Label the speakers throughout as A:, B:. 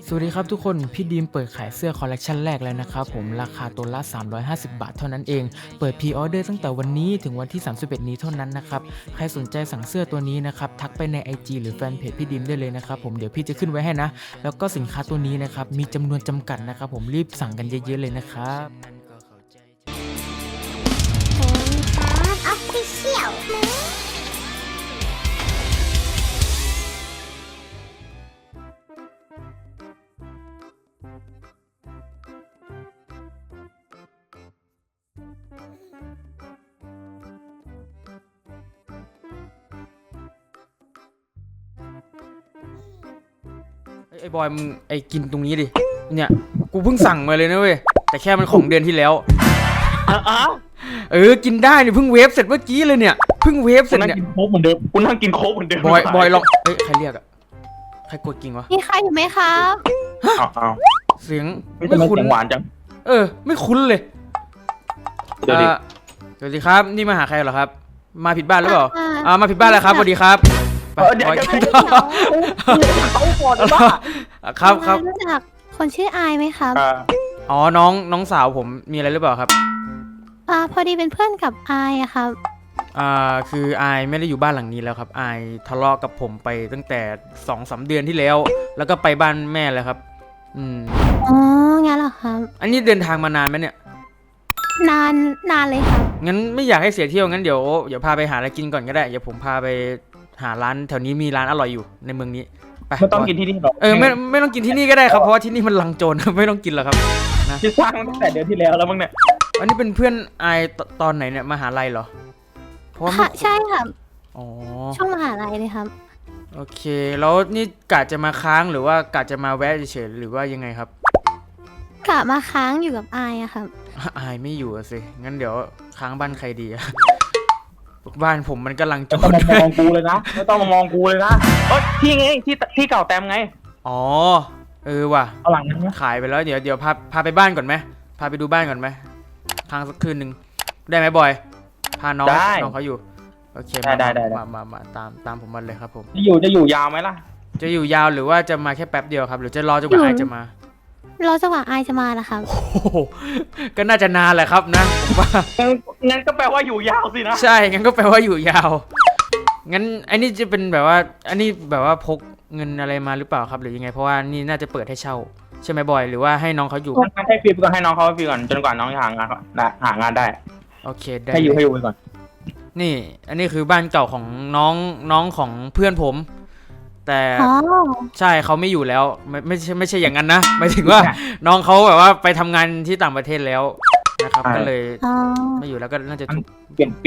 A: สวัสดีครับทุกคนพี่ดีมเปิดขายเสื้อคอลเลกชันแรกแล้วนะครับผมราคาตัวละ350 บาทเท่านั้นเองเปิดพรีออเดอร์ตั้งแต่วันนี้ถึงวันที่31นี้เท่านั้นนะครับใครสนใจสั่งเสื้อตัวนี้นะครับทักไปใน IG หรือแฟนเพจพี่ดีมได้เลยนะครับผมเดี๋ยวพี่จะขึ้นไว้ให้นะแล้วก็สินค้าตัวนี้นะครับมีจำนวนจำกัดนะครับผมรีบสั่งกันเยอะๆเลยนะครับ
B: ครับออฟฟิเชียล
A: ไอ้บอยมึงไอ้กินตรงนี้ดิเนี่ยกูเพิ่งสั่งมาเลยนะเว้ยแต่แค่มันของเดือนที่แล้ว
C: อ้าว
A: กินได้เนี่ยเพิ่งเวฟเสร็จเมื่อกี้เลยเนี่ยเพิ่งเวฟเสร็จเนี่ย
C: กูนั่งกินโค้กเหมือนเดิม
A: บอยลองใครเรียกอะใครกดกิ่งวะ
B: มีใครอยู่ไหมครับ
C: อ้าว
A: เสียง
C: ไม่คุ้นหวานจัง
A: ไม่คุ้นเลย
C: เดี๋ยวดิ
A: สวัสดีครับนี่มาหาใครเหรอครับมาผิดบ้านหรือเปล่ามาผิดบ้านแล้วครับสวัสดีครับ
C: เดี๋ยว
A: กิน
C: เขาก่อนบ้า
A: ครับ
B: รู้จักคนชื่ออายไหมครับ
A: อ๋อน้องสาวผมมีอะไรหรือเปล่าครับ
B: พอดีเป็นเพื่อนกับอายอะครับ
A: คืออายไม่ได้อยู่บ้านหลังนี้แล้วครับอายทะเลาะกับผมไปตั้งแต่2-3 เดือนที่แล้วแล้วก็ไปบ้านแม่แล้วครับ
B: อ๋องั้นเหรอครับ
A: อันนี้เดินทางมานานไหมเนี่ย
B: นานเลยครับ
A: งั้นไม่อยากให้เสียเที่ยวงั้นเดี๋ยวพาไปหาอะไรกินก่อนก็ได้เดี๋ยวผมพาไปหาร้านแถวนี้มีร้านอร่อยอยู่ในเมืองนี้ไป
C: ไม่ต้องกินที่นี่หรอก
A: ไม่ต้องกินที่นี่ก็ได้ครับเพราะว่าที่นี่มันลังโจรไม่ต้องกินหรอกครับนะ
C: ที่สร้างตั้งแต่เดือนที่แล้วแล้วมั้งเนี่ย
A: อันนี้เป็นเพื่อนอายตอนไหนเนี่ยมหาลัยเหรอเพราะว่า
B: ใช่ครับ
A: อ๋อ
B: ช่วงมหาลัยเลยครับ
A: โอเคแล้วนี่กะจะมาค้างหรือว่ากะจะมาแวะเฉยๆหรือว่ายังไงครับ
B: กะมาค้างอยู่กับอายอะครับ
A: อายไม่อยู่สิงั้นเดี๋ยวค้างบ้านใครดีอะบ้านผมมันกำลังโจร
C: ไม่ต้องมามองกูเลยนะไม่ต้องมามองกูเลยนะที่ไงที่เก่าแต้มไง
A: อ๋อว่ะ
C: เอาหลังนั้น
A: ขายไปแล้วเดี๋ยวพาไปบ้านก่อนไหมพาไปดูบ้านก่อนไหมค้างสักคืนหนึ่งได้ไหมบอยพาน้องเขาอยู่โอเคมาตามผมมาเลยครับผม
C: จะอยู่ยาวไหมล่ะ
A: จะอยู่ยาวหรือว่าจะมาแค่แป๊บเดียวครับหรือจะรอจนกว่าอายจะมาร
B: อจังหวะอายจะมาล่ะครับ
A: ก็น่าจะนานแหละครับนะผมว่า
C: งั้นก็แปลว่าอยู่ยาวสินะ
A: ใช่งั้นก็แปลว่าอยู่ยาวงั้นอันนี้จะเป็นแบบว่าอันนี้แบบว่าพกเงินอะไรมาหรือเปล่าครับหรือยังไงเพราะว่านี่น่าจะเปิดให้เช่าใช่ไหมบอยหรือว่าให้น้องเขาอยู่
C: ให้ฟรีก่อนให้น้องเขาฟรีก่อนจนกว่าน้องจะหางานได้
A: โอเคได้
C: ให้อยู่ไปก่อน
A: นี่อันนี้คือบ้านเก่าของน้องของเพื่อนผมแต่ใช่เขาไม่อยู่แล้วไม่ใช่อย่างนั้นนะหมายถึงว่าน้องเขาแบบว่าไปทำงานที่ต่างประเทศแล้วนะครับก็เลยไม่อยู่แล้วก็น่าจะถูก
C: เปลี่ยน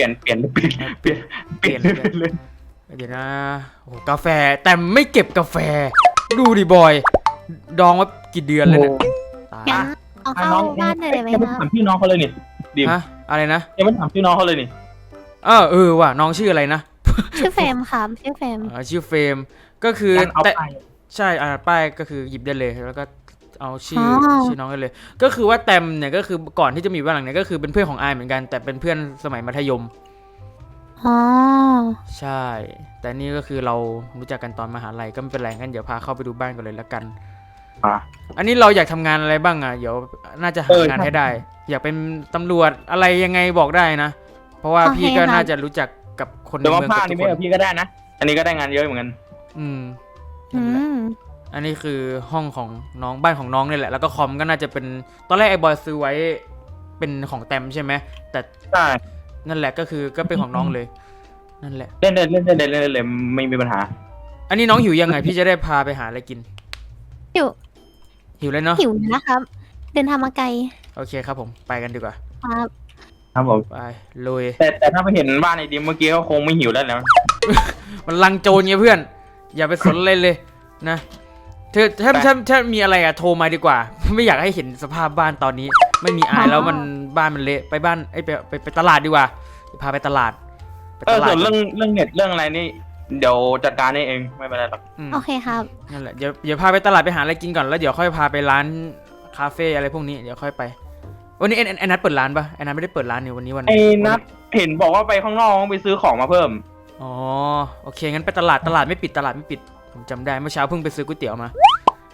C: เลย
A: เดี๋ยวนะโอ้กาแฟแต่ไม่เก็บกาแฟดูดิบอยดองว่ากี่เดือนเลยเนี่ย
B: เอาเข้าบ้านเลยไหมครับ
C: ถามพี่น้องเขาเลยนี่ดิม
A: อะไรนะ
C: ยังไม่ถามพี่น้องเขาเลยนี่
A: ว่ะน้องชื่ออะไรนะ
B: ชื่อเฟรมครับชื่อเฟรม
A: ชื่อเฟรมก็คือแต่ใช่ป้ายก็คือหยิบได้เลยแล้วก็เอาชื่อน้องได้เลยก็คือว่าแตมเนี่ยก็คือก่อนที่จะมีบ้านหลังนี้ก็คือเป็นเพื่อนของอายเหมือนกันแต่เป็นเพื่อนสมัยมัธยมใช่แต่นี่ก็คือเรารู้จักกันตอนมหาลัยก็ไม่เป็นไรงั้นเดี๋ยวพาเข้าไปดูบ้านกันเลยละกันอันนี้เราอยากทำงานอะไรบ้างเดี๋ยวน่าจะหางานให้ได้อยากเป็นตำรวจอะไรยังไงบอกได้นะเพราะว่าพี่ก็น่าจะรู้จักกับคนในเมือง
C: กับทุกคนพี่ก็ได้นะอันนี้ก็ได้งานเยอะเหมือนกัน
A: อันนี้คือห้องของน้องบ้านของน้องนี่แหละแล้วก็คอมก็น่าจะเป็นตอนแรกไอ้บอยซื้อไว้เป็นของแตมใช่ไหมแต่
C: ใช่
A: นั่นแหละก็คือก็เป็นของน้องเลยนั่นแหละ
C: เล่นเลยไม่มีปัญหา
A: อันนี้น้องหิวยังไงพี่จะได้พาไปหาอะไรกินหิวเลยเนาะ
B: หิวนะครับเดินทางมาไกล
A: โอเคครับผมไปกันดีกว่า
C: ครับผม
A: ไปลุย
C: แต่ถ้าไปเห็นบ้านไอ้ดิมเมื่อกี้ก็คงไม่หิวแล้ว
A: มันลังโจรไงเพื่อนอย่าไปสนเลยนะเธอถ้ามีอะไรโทรมาดีกว่าไม่อยากให้เห็นสภาพบ้านตอนนี้ไม่มีอายแล้วมันบ้านมันเละไปบ้านไปตลาดดีกว่าพาไปตลาด
C: ส่วนเรื่องเน็ตเรื่องอะไรนี่เดี๋ยวจัดการเองไม่เป็นไรหรอก
B: โอเคครับ
A: นั่นแหละเดี๋ยวพาไปตลาดไปหาอะไรกินก่อนแล้วเดี๋ยวค่อยพาไปร้านคาเฟ่อะไรพวกนี้เดี๋ยวค่อยไปวันนี้ไอ้นัทเปิดร้านปะไอ้นัทไม่ได้เปิดร้านนี่วันนี้ไอ้
C: นัทเห็นบอกว่าไปข้างนอกไปซื้อของมาเพิ่ม
A: อ๋อโอเคงั้นไปตลาดไม่ปิดผมจำได้เมื่อเช้าเพิ่งไปซื้อก๋วยเตี๋ยวมา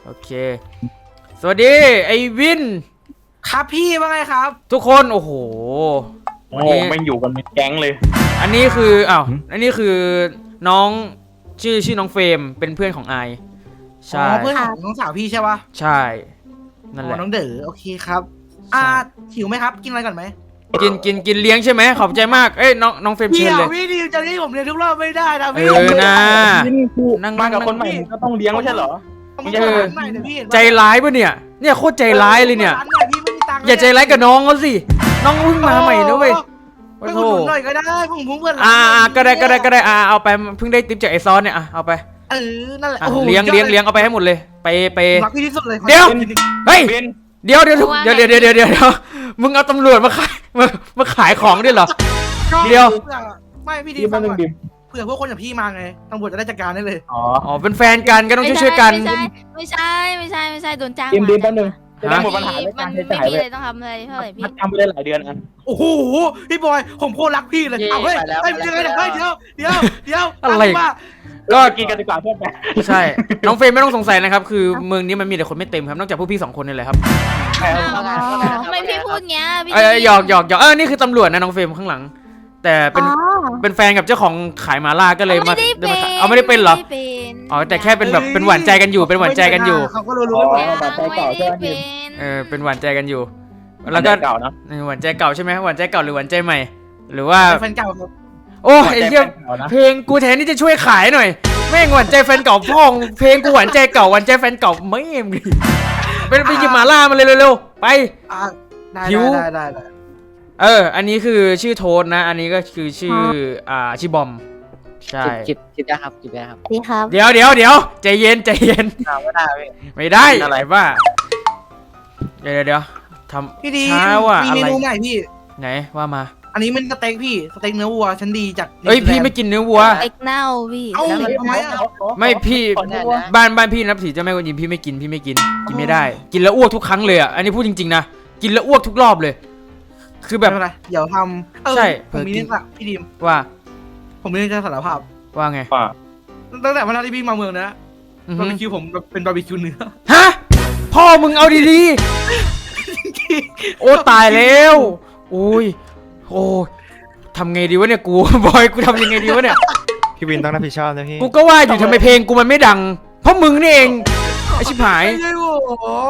A: โอเค สวัสดีไอวิน
D: ครับพี่ว่าไงครับ
A: ทุกคนโอ้โห
C: โอ้โหไม่งอยู่กันเป็นแก๊งเลย
A: อันนี้คืออ้าวอันนี้คือน้องชื่อน้องเฟรมเป็นเพื่อนของไอ
D: อ๋
A: ใช่
D: อเพื่อนของน้องสาวพี่ใช่ปะ
A: ใช่นั่นแห
D: อ๋
A: ละ
D: อน้องเด๋อโอเคครับ หิวไหมครับ กินอะไรก่อนไหม
A: กินเลี้ยงใช่ไหมขอบใจมากเอ้ยน้องเฟรม
D: พี่
A: เชิญเลย
D: พี่ดิวจะให้ผมเรียนทุกรอบไม่ได้นะพี่
A: นะ
C: นั่งมากับคนใหม่มึงก็ต้องเลี้ยงไม่ใช่เหรอ
D: ผมจะร้านใหม่เนี่ยพี่เห็นปะ
A: ใจร้ายปะเนี่ยโคตรใจร้ายเลยเนี่ย
D: ร้านใหม่พี่ไม่มีตังค์
A: อย่าใจร้ายกับน้องเขาสิน้องเพิ่งมาใหม่นะเว้ย
D: ไปอุดหนุนหน่อยก็ได้ผมเพื่อน
A: ก็ได้เอาไปเพิ่งได้ติปจากไอซอนเนี่ยเอาไป
D: นั่นแหละ
A: เลี้ยงเอาไปให้หมดเลยไป
D: รักพี่ที่สุดเลย
A: เดี๋ยว เฮ้ย
C: เบน
A: เดี๋ยวมึงเอาตำรวจมาขายมาขายของด้วยเหรรอ เดี๋ยว
D: ไม่พี่ดี
C: ดิม
D: ฟั
C: มาง หนึ่ง
D: ก่อน
C: ดิม
D: เผื่อพวกคนอย่างพี่มาไงตำรวจจะได้จัดการได้เลย
C: อ๋อ
A: อ๋อเป็นแฟนกันก็ต้องช่วยๆกัน
E: ไม่ใช่โดนจ้าง
C: ดิม
E: มา
C: ดิมแป๊บนึงจะได้
A: ฮะ
C: หมดปัญหาเรื่อง
E: มั
C: การ
E: น
C: ใช้
E: ไม่
C: จ่าย
E: มี
C: เล
E: อะไร
C: ย
E: ต้องทำเลยเท่าไหร่พี่
C: มันทำไปได้หลายเดือนอัน
D: โอ้โหพี่บอยผมโคตรรักพี่เลยเอาเฮ้ยเฮ้ยยังไงเนี่ยเฮ้ยเดี๋ยว
A: อะไร
D: ว่า
C: ก็กินกันดีกว่าเพื่อนไป
A: ใช่น้องเฟรมไม่ต้องสงสัยนะครับคือเมืองนี้มันมีแต่คนไม่เต็มครับนอกจากพวกพี่2 คนนี่แหละครับ
E: ทำไมพี่พูดเงี้ยพี่
A: หยอกนี่คือตำรวจนะน้องเฟรมข้างหลัง แต่เป็นแฟนกับเจ้าของขายหมาล่าก็เลยมา เอาไม่ได้เป็นเหรอ อ๋อแต่แค่เป็นแบบเป็นหวานใจกันอยู่เป็นหวานใจกันอยู่
D: เขาก็รู้ๆ
E: ไม่
D: ว่า
E: ได้เป็น
A: เป็นหวานใจกันอยู่ แล้วก็
C: เก่านะ
A: หวานใจเก่าใช่ไหมหวานใจเก่าหรือหวานใจใหม่ หรือว่า
D: แฟนเก่าครับ
A: โอ้ไอ้เหี้ย
C: เก่านะ
A: เพลงกูแทนที่จะช่วยขายหน่อยแม่งหวานใจแฟนเก่าพ่องเพลงกูหวานใจเก่าหวานใจแฟนเก่าไม่เอ็มดิไปหยิบหมาล่ามาเลยเร็วๆไป
D: ได้
A: หิว
D: ได้
A: อันนี้คือชื่อโทนนะ อันนี้ก็คือชื่อชื่อบอมใช่
F: จิบได้ครับจิบได้ครับ
B: ดีครับ
A: เดี๋ยวใจเย็น
F: ไม่ได้พี่
A: ไม่ได้อะไรบ้าเดี๋ยวท
D: พี่ดี
A: ำช้าว่ะ
D: มี
A: อะ
D: เม
A: ไร
D: นูใหม่พี่
A: ไหนว่ามา
D: อันนี้มันสเต็กพี่สเต็กเนื้อวัวชั้นดีจาก
A: เอ้ยพี่ไม่กินเนื้อวัว
E: เอ็กเน่าพี่
D: เอ้า
E: แล้วมัน
D: ทำไมอ่ะ
A: ไม่พี่
F: ขอแน่นะ
A: บ้านพี่นับถือเจ้าแม่กวนอิมพี่ไม่กินไม่ได้ กินแล้วอ้วกทุกครั้งเลยอ่ะอันนี้พูดจริงๆนะกินแล้วอ้วกทุกรอบเลย คือแบบ
D: ไม่เป็นไรเดี๋ยวทำ
A: ใช่
D: ผมมีเรื่องละพี่ดิม
A: ว่า
D: ผมมีเรื่องจะสารภาพ
A: ว่าไง
C: ว่า
D: ตั้งแต่วันแรกที่พี่มาเมืองนะ
A: อือบ
D: า
A: ฮึ
D: ร์บีคิวผมเป็นบาร์บีคิวเนื้อ
A: ฮะพ่อมึงเอาดีๆ โอ้ตายแล้วโอ้ยทำไงดีวะเนี่ยกู บอยกูทำยังไงดีวะเนี่ย
G: พี่วินต้องรับผิดชอบนะพี่
A: กูก็ว่าอยู่ทำไมเพลงกูมันไม่ดัง เพราะมึงนี่เองไอชิบหาย
D: ไม่ใช่ผม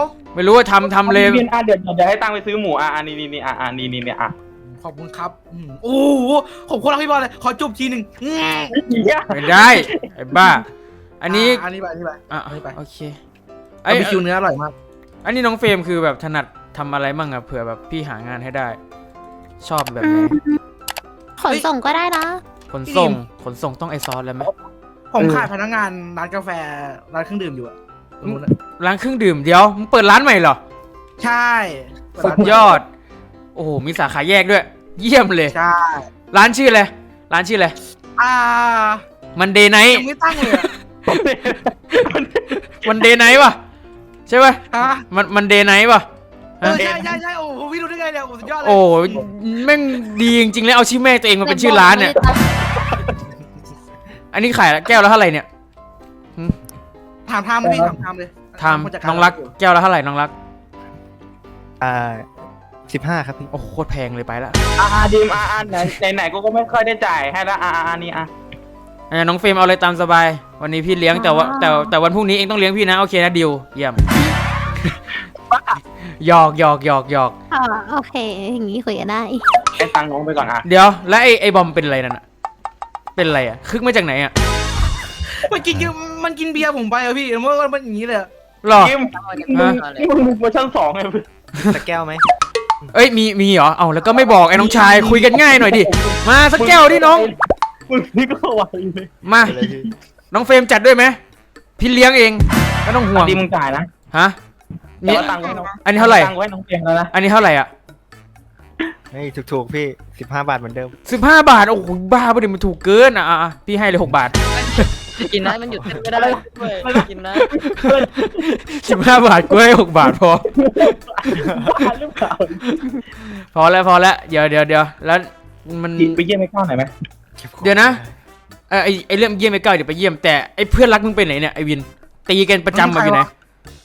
A: ไม่รู้ว่าทำเลย
C: เดี๋ยวให้ตังค์ไปซื้อหมูนี่นี่
D: ขอบคุณครับโอ้โหผมโคตรรักพี่บอลเลยขอจูบทีหนึ่ง
A: ไม่ได้ไอ้บ้า อันนี้
D: อันนี้ไป
A: อ่ะ
D: อันนี้ไป
A: โอเค
D: บาร์บีคิวเนื้ออร่อยมาก
A: อันนี้น้องเฟรมคือแบบถนัดทำอะไรมั่งอะเผื่อแบบพี่หางานให้ได้ ชอบแบบไหน
B: ขนส่งก็ได้นะ
A: ขนส่งต้องไอซอสแล้วไหม
D: ผมขายพนักงานร้านกาแฟร้านเครื่องดื่มอยู่อะตรงนู้นอะ
A: ร้านเครื่องดื่มเดี๋ยวมึงเปิดร้านใหม่เหรอ
D: ใช่
A: สุดยอด โอ้โหมีสาขาแยกด้วย เยี่ยมเลย
D: ใช่
A: ร้านชื่ออะไรร้านชื่ออะไร มันเดย์ไนท์
D: ยังไม่ตั้งเลยอะ
A: มันเดย์ไนท์ป่ะใช่ป่ะ
D: ฮะ
A: มันเดย์ไนท์ป่ะ
D: ใช่โอ้โหพี่รู้ได้ไงเนี่ยโอ้สุดยอดเลย
A: โอ้แม่งดีจริงๆเลยเอาชื่อแม่ตัวเองมาเป็นชื่อร้านเนี่ย อันนี้ขายแก้วละเท่าไหร่เนี่ย
D: ถามทามพี่ถามเลย
A: ทำน้องรักแก้วละเท่าไหร่น้องรัก
G: 15 ครับพี่
A: โอ้โหโคตรแพงเลยไปละ
C: ดิมไหนกูก็ไม่ค่อยได้จ่ายให้ละนี่
A: น้องเฟรมเอาเลยตามสบาย วันนี้พี่เลี้ยงแต่ว่าแต่วันพรุ่งนี้เองต้องเลี้ยงพี่นะโอเคนะดิวเยี่ยมหยอก
B: โอเค อย่างนี้คุยกันได้
C: ให้ตังค์น้องไปก่อน
A: เดี๋ยวแล้วไอ้บอมเป็นอะไรนั่นอะเป็นอะไรอะคึกมาจากไหนอะ
D: มันกินเบียร์ผมไปอะพี่เมื่อมันอย่างนี้เลย
A: หรอ
C: ดิมมึงเวอร์ชัน2ไง
G: สักแก้วไหม
A: เอ้ยมีเหรอเอาแล้วก็ไม่บอกไอ้น้องชายคุยกันง่ายหน่อยดิมาสักแก้วดิน้อง
C: มึงนี่ก็ไวเลย
A: มา
G: ไปเลยพี่
A: น้องเฟรมจัดด้วยไหมพี่เลี้ยงเองไม่ต้องห่วง
C: ดิมมึงจ่ายนะ
A: ฮะ
C: แต่ว่าตังค์ไว้น้อง
A: อันนี้เท่าไหร่
C: ตังค์ไว้น้องเตียงแล้วนะ
A: อันนี้เท่าไหร่อ่ะ
G: ไม่ถูกๆพี่ 15 บาทเหมือนเดิม
A: 15 บาทโอ้โหบ้าปะเนี่ยมันถูกเกินอ่ะพี่ให้เลย6 บาท
F: กินนะมันหยุดเต้นไม่ได้ด้วยกินนะ
A: 15 บาทกูให้6 บาทพอ
C: บ้าหรือเปล่า
A: พอแล้วเดี๋ยวแล้วมัน
C: ไปเยี่ยมไอ้ก้าวหน่อยไหม
A: เดี๋ยวนะไอเรื่องเยี่ยมไอ้ก้าวเดี๋ยวไปเยี่ยมแต่ไอเพื่อนรักมึงไปไหนเนี่ยไอวินตีกันประจำมาอยู่ไหน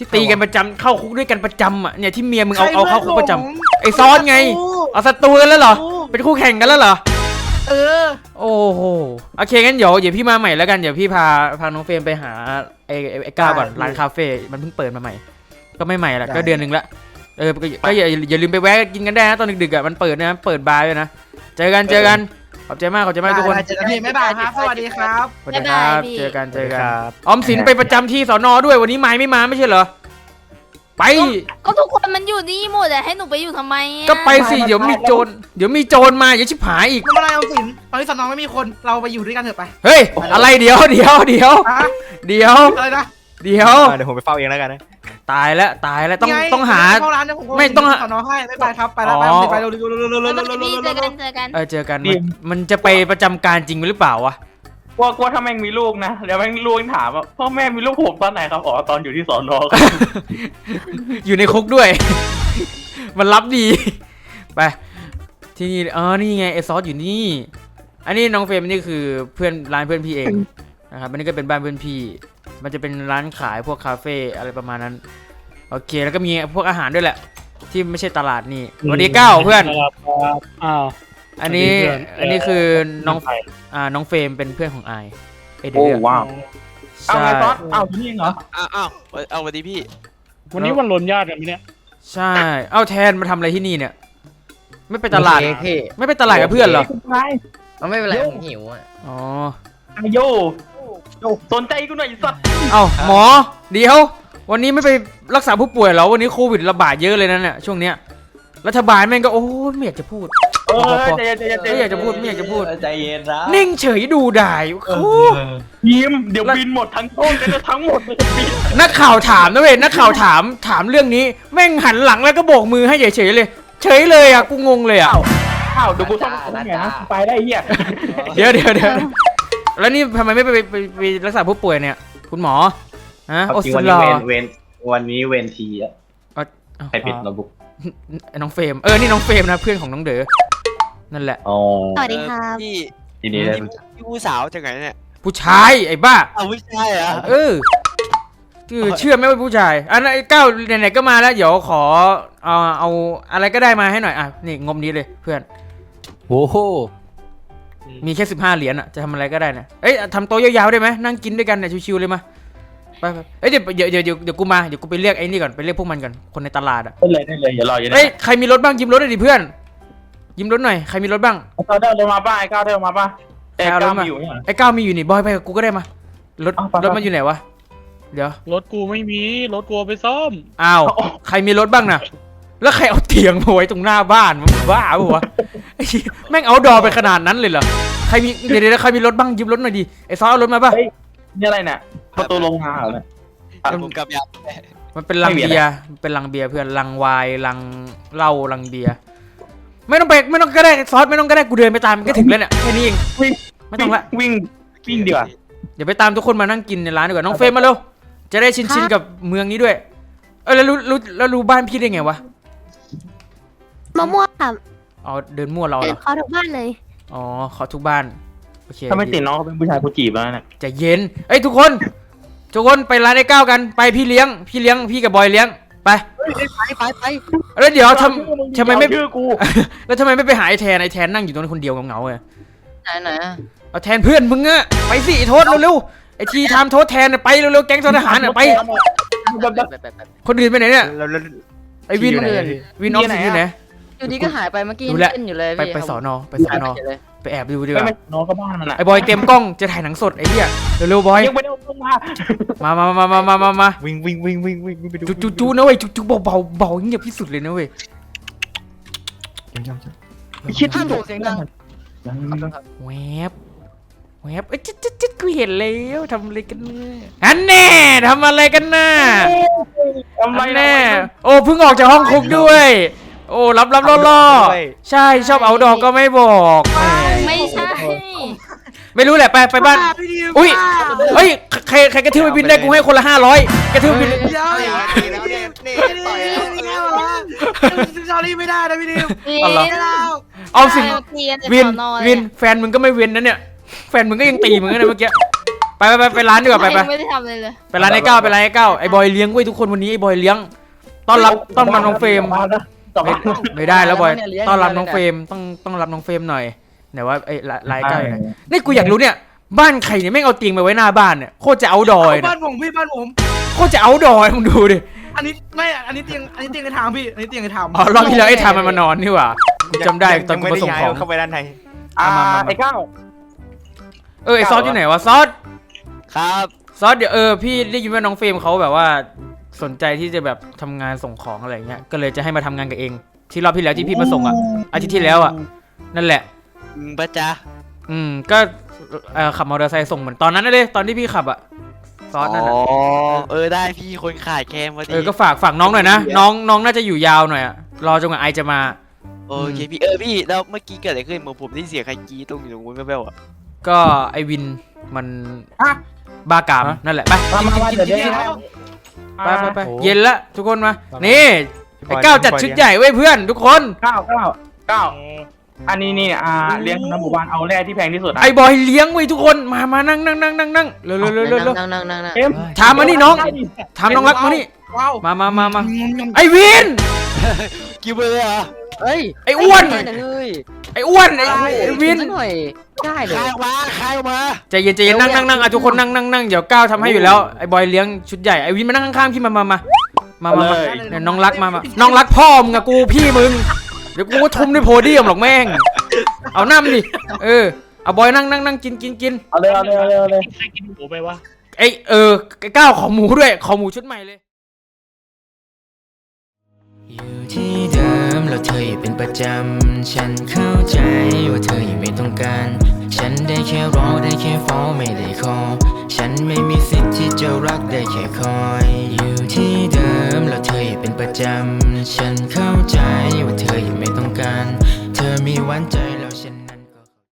A: ที่ตีกันประจำเข้าคุกด้วยกันประจำอ่ะเนี่ยที่เมียมึงเอาเข้าคุกประจำไอ้ซ้อนไงเอาศัตรูกันแล้วเหรอเป็นคู่แข่งกันแล้วเหรอ
D: เออ
A: โอ้โหโอเคงั้นเดี๋ยวพี่มาใหม่แล้วกันเดี๋ยวพี่พาน้องเฟรมไปหาไอ้ก้าวก่อนร้านคาเฟ่มันเพิ่งเปิดมาใหม่ก็ไม่ใหม่ละก็เดือนนึงละก็อย่าลืมไปแวะกินกันได้นะตอนดึกๆอ่ะมันเปิดนะเปิดบาร์ด้วยนะเจอกันขอบใจมากทุกคน
D: เจอกันพี่บ๊ายบายครับสวัสดีครับ
A: สวัสดีครับเจอกัน
G: ครับ
A: ออมสินไปประจำที่สอนอด้วยวันนี้ไม้ไม่มาไม่ใช่เหรอไป
E: ก็ทุกคนมันอยู่นี่หมดแต่ให้หนูไปอยู่ทำไมอะ
A: ก็ไปสิเดี๋ยวมีโจรมาอย่าชิบหายอีก
D: ไม่เป็นไรเอาสินตอนนี้สนองไม่มีคนเราไปอยู่ด้วยกันเถอะไป
A: เฮ้ยอะไรเดี๋ยว
D: ฮะ
A: เดี๋ยว
D: อะไรนะ
A: เดี๋ยว
G: เดี๋ยวผมไปเฝ้าเองแล้วกันนะ
A: ตายแล้วต้องหา
D: เข้าร้านเนี่ยผมก็
A: ไม่ต้อง
D: สนองให้ไม่ไปครับไปแล้ว
A: อ๋อ
D: ไปเร็วๆ
E: พี่เจอกัน
A: เจอกันมันจะไปประจำการจริงหรือเปล่าวะ
C: ว่าถ้าแม่งมีลูกนะเดี๋ยวแม่งลูกถามว่าพ่อแม่มีลูกผมตอนไหนครับอ๋อตอนอยู่ที่สอนอครับ
A: อยู่ในคุกด้วย มันรับดี ไปที่นี่นี่ไงไอซอสอยู่นี่ อันนี้น้องเฟรมนี่คือร้านเพื่อนพี่เองนะครับอันนี้ก็เป็นบ้านเพื่อนพี่ มันจะเป็นร้านขายพวกคาเฟ่อะไรประมาณนั้นโอเคแล้วก็มีพวกอาหารด้วยแหละ ที่ไม่ใช่ตลาดนี่สวัสดีก้าวเพื่อน
H: อ้าว
A: อันนี้คือน้องเฟรมเป็นเพื่อนของไอเดื
C: โอ้
A: อด
C: ว้าวเอา
A: ใช่
C: ไงซอสเอาที่นี่เหรอ
F: เอาสวัสดีพี่
H: วันนี้วันรนญาติกันไหมเนี่ย
A: ใช่เอาแทนมาทำอะไรที่นี่เนี่ย ไม่ไปตลาด
F: พี่
A: ไม่ไปตลาดกับเพื่อนเหรอ
F: ไม่เป็นไรผมหิวอ่ะ
A: อ๋อ
C: โยสนใจกูหน่อยสัตว์
A: เอ้าหมอเดี๋ยววันนี้ไม่ไปรักษาผู้ป่วยเหรอวันนี้โควิดระบาดเยอะเลยนั่นแหละช่วงเนี้ยรัฐบาลแม่งก็โอ้ไม่อยากจะพูด
C: ใจเย็น
A: ไม่อยากจะพูด
F: ใจเย็นนะ
A: นิ่งเฉยดูได้โอ้
C: ยิ้มเดี๋ยวบินหมดทั้งต้นเลยทั้งหมดเลยบิน
A: นักข่าวถามนะเว้ยนักข่าวถามเรื่องนี้แม่งหันหลังแล้วก็โบกมือให้เฉยๆเลยเฉยเลยอ่ะกูงงเลยอ่ะ
C: อ้าวเดี๋ยวกูต้องไงนะไปได้เหี้ย
A: เดี๋ยวแล้วนี่ทำไมไม่ไปรักษาผู้ป่วยเนี่ยคุณหมอฮะโอสลา
I: วันนี้เวนทีอะ
A: อ้าว
I: ใครปิดโน้ตบุ๊ก
A: น้องเฟรมนี่น้องเฟรมนะเพื่อนของน้องเด๋อนั่นแหละ
I: อ๋อ
B: สวัสดีครับ
F: พี่
I: ทีนี้ได้
F: พี่ผู้สาวจากไหนเนี่ย
A: ผู้ชายไอ้บ้า
F: เอาไม่ใช่เหรอ
A: คือเชื่อไหมว่าผู้ชายอันนั้นไอ้ก้าวไหนๆก็มาแล้วเดี๋ยวขอเอาอะไรก็ได้มาให้หน่อยนี่งบนี้เลยเพื่อน
G: โอ้โห
A: มีแค่15เหรียญอ่ะจะทำอะไรก็ได้นะทำโต๊ะยาวๆได้ไหมนั่งกินด้วยกันเนี่ยชิวๆเลยมาไปเดี๋ยวกูมาเดี๋ยวกูไปเรียกไอ้นี่ก่อนไปเรียกพวกมันก่อนคนในตลาดอ่ะ
C: ได้เลยอย่ารออย่าได้
A: ใครมีรถบ้างยิ้มรถหน่อยดิเพื่อนยิ้มรถหน่อยใครมีรถบ้าง
C: ก้าวเดินมาป่ะไอ้ก้าวเดินมาป่ะแต่ก้าวมีอยู่เนี่ย
A: ไอ้ก้าวมีอยู่นี่บอยไปกับกูก็ได้มารถมันอยู่ไหนวะเดี๋ยว
H: รถกูไม่มีรถกูเอาไปซ่อม
A: อ้าวใครมีรถบ้างน่ะแล้วใครเอาเตียงมาไว้ตรงหน้าบ้านมันบ้าปะวะไอ้แม่งเอาดอไปขนาดนั้นเลยเหรอใครมีเดี๋ยวใครมีรถบ้างยืมรถหน่อยดิไอ้ซอเอารถมาป่ะ
C: นี่อะไรเนี่ยประตูโรงงานเหรอเนี่ย
F: ผมกับยา
A: มันเป็นลังเบียร์เป็นลังเบียร์เพื่อนลังไวน์ลังเหล้าลังเบียร์ไม่ต้องก็ได้ซอสไม่ต้องก็ได้กูเดินไปตามมันก็ถึงแล้วเนี่ยแค่นี้เองไม่ต้องละ
C: วิ่งดีกว่า
A: เดี๋ยวไปตามทุกคนมานั่งกินในร้านดีกว่าน้องเฟรมมาเร็วจะได้ชินกับเมืองนี้ด้วยแล้วรู้บ้านพี่ได้ไงวะ
B: มะม่วงค่ะ
A: อ๋อเดินมั่วเราเหรอ
B: เขาทุกบ้านเลย
A: อ๋อขอทุกบ้านโอเค
C: ถ้าไม่ติดน้องเขาเป็นผู้ชายกูจีบแล้วเนี่ย
A: ใจเย็นทุกคนไปร้านไอ้ก้าวกันไปพี่เลี้ยงพี่กับบอยเลี้ยงไป
F: ไป
A: แล้วเดี๋ยวทำไมไม่
C: ชื่อกู
A: แล้วทำไมไม่ไปหาไอ้แทนนั่งอยู่ตรงนั้นคนเดียวเหงาๆเลย
F: ไหน
A: เอาแทนเพื่อนมึงอะไปสิโทษเร็วๆไอ้ทีทำโทษแทนไปเร็วๆแก๊งทหารอะไปคนอื่นไปไหนเนี่ย
G: แล้ว
A: ไอ้วินออฟสินอยู่ไหน
F: อยู่ดีก็หายไปเมื่อกี้
A: ดูแล
F: เต้นอยู่เลย
A: ไปสอนอไปแอบดูดีก
C: ไม่
A: ว่า
C: น้องเขาบ้านมันอะ
A: ไอ้บอยเต็มกล้องจะถ่ายหนังสดไอ้เหี้ยเร็วๆบอย
C: ยังไม่ได้ลงมา
A: มา
G: วิ่งไปดู
A: จูนะเว้ยจูเบาเงียบที่สุดเลยนะเว้ย
C: คิด
F: ห้า
C: ที่
F: มส่งเสียงดัง
A: แวบจิ๊ดกูเห็นแล้วทำอะไรกันเนี่ยอันแน่ทำอะไรกันน่ะ
C: ทำไร
A: แน่โอ้เพิ่งออกจากห้องคุกด้วย โอ้รับล่อใช่ชอบเอาดอกก็ไม่บอกแหม
E: ไม่ใช่
A: ไม่รู้แหละไปบ้านอุ้ยเฮ้ยใครกระทืบไปบินได้กูให้คนละ500กระทืบบิน
D: เดี๋ยวซอรี่ไม่ได้นะพี่ดิว
A: อ๋อเหรอ เอาสิวินแฟนมึงก็ไม่เว้นนะเนี่ยแฟนมึงก็ยังตีมึงนะเมื่อกี้ไปร้านดีกว่าไป
E: ไม่ได้ทำเลยเลย
A: ไปร้านไอ้เก้าไปร้านไอ้เก้าไอ้บอยเลี้ยงเว้ยทุกคนวันนี้ไอ้บอยเลี้ยงต้อนรับน้องเฟรมไม่ได้แล้วบอยต้อนรับน้องเฟรมต้องรับน้องเฟรมหน่อยไหนว่าไอ้ร้านไอ้เก้าอยู่ไหนนี่กูอยากรู้เนี่ยบ้านใครเนี่ยแม่งเอาเตียงไปไว้หน้าบ้านเนี่ยโคตรจะเอาดอย
D: บ้านผมพี่บ้านผม
A: โคตรจะเอาดอยมึงดูดิ
D: อันนี้เตียงในทางพี่อันนี้เตียงในทาง
A: อ๋อรอบที่แล้วไอ้ทามมันมานอนนี่หว่ากูจำได้ตอนกู
G: ไม่
A: มา
G: ได้
A: ส่ง
G: ย้าย
A: ของ
G: เข้าไปด้านใน
C: ไอ้เก้า
A: ไอ้ซอสอยู่ไหนวะซอส
F: ครับ
A: ซอสเดี๋ยวพี่ได้ยินว่าน้องเฟรมเขาแบบว่าสนใจที่จะแบบทำงานส่งของอะไรเงี้ยก็เลยจะให้มาทำงานกับเองที่รอบที่แล้วที่พี่มาส่งอ่ะอาทิตย์ที่แล้วอ่ะนั่นแหละ
F: ปะจ๊ะ
A: ก็ขับมอเตอร์ไซค์ส่งเหมือนตอนนั้นเลยตอนที่พี่ขับอ่ะซอสนั่น
F: อ๋
A: อ่ะ
F: อได้พี่คนขายแคมพอดี
A: ก็ฝากน้องหน่อยนะน้องน่าจะอยู่ยาวหน่อยอ่ะรอจนกว่าไอจะมา
F: โอเคพี่พี่แล้วเมื่อกี้เกิดอะไรขึ้นผมได้เสียงใครกรี๊ดตรงอยู่ตรงนู้นแว่วๆอ่ะ
A: ก็ไอวินมันบ้ากามนั่นแหละไป
C: มาเดี๋ยวเดี๋ยว
A: ไปเย็นละทุกคนมานี่ไอ้ก้าวจัดชุดใหญ่ไว้เพื่อนทุกคน
C: เก้าอันนี้นี่เลี้ยงน้ำหมู่บ้านเอาแร่ที่แพงที่สุด
A: ไอ้บอยเลี้ยงไว้ทุกคนมานั่งเร็ว
F: นั่ง
C: เอ็ม
A: ถามมานี่น้องถามน้องรักมานี่
D: ว้าว
A: มาไอ้วิน
F: กินไปเลยเหรอ
J: เฮ้ย
A: ไอ้อ้วน
J: เฮ้ย
A: ไอ้อ้วนไอ้วิน
J: หน่อยได้เลย
F: คายออกมา
A: ใจเย็นนั่งทุกคนนั่งเดี๋ยวก้าวทำให้อยู่แล้วไอ้บอยเลี้ยงชุดใหญ่ไอ้วินมานั่งข้างๆพี่มาเนี่ยน้องรักมาน้องรักพ่อมึงอะกูพี่มึงเดี๋ยวกูก็ทุ่มด้วยโพเดียมหรอกแม่งเอาน้ำดิเอาบอยนั่งกิน
C: เอาเลย
H: ใครกินหมูไปวะ
A: ไอ้ก้าวขอหมูด้วยขอหมูชุดใหม่เลยอยู่ที่เดิมแล้วเธออยู่เป็นประจำฉันเข้าใจว่าเธอยังไม่ต้องการฉันได้แค่รอได้แค่ฟ้องไม่ได้ขอฉันไม่มีสิทธิ์ที่จะรักได้แค่คอยอยู่ที่เดิมแล้วเธออยู่เป็นประจำฉันเข้าใจว่าเธอยังไม่ต้องการเธอมีหวานใจ